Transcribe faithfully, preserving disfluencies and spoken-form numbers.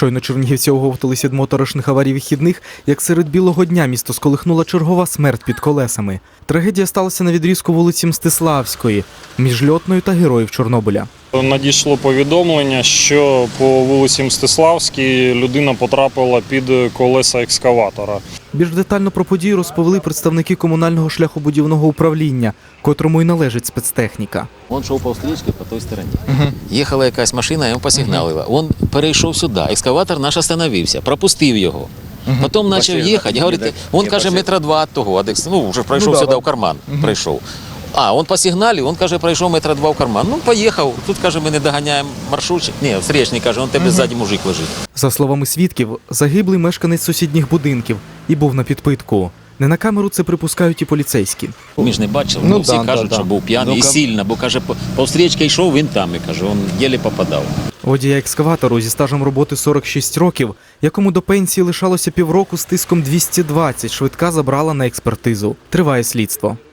Щойно чернігівці оговталися від моторошних аварій вихідних, як серед білого дня місто сколихнула чергова смерть під колесами. Трагедія сталася на відрізку вулиці Мстиславської, між Льотною та Героїв Чорнобиля. Надійшло повідомлення, що по вулиці Мстиславській людина потрапила під колеса екскаватора. Більш детально про подію розповіли представники комунального шляхобудівного управління, котрому й належить спецтехніка. Він йшов по стрічці по той стороні. Угу. Їхала якась машина, йому посигналила. Він перейшов сюди, екскаватор наш остановився, пропустив його. Угу. Потім почав їхати, говорить, він каже, метра два від того, ну, вже пройшов ну, сюди да, в карман, угу. прийшов. А, він по сигналі, він, каже, пройшов метра два в карман. Ну, поїхав. Тут, каже, ми не доганяємо маршрутчик. Ні, встречний, каже, він тебе угу. ззаді мужик лежить. За словами свідків, загиблий мешканець сусідніх будинків і був на підпитку. Не на камеру це припускають і поліцейські. Ми ж не бачили, ну, всі да, кажуть, да, що да. був п'яний ну, і сильно, бо, каже, по, по встрічці йшов, він там, і каже, він єлі попадав. Водія екскаватору зі стажем роботи сорок шість років, якому до пенсії лишалося півроку з тиском двісті двадцять, швидка забрала на експертизу. Триває слідство.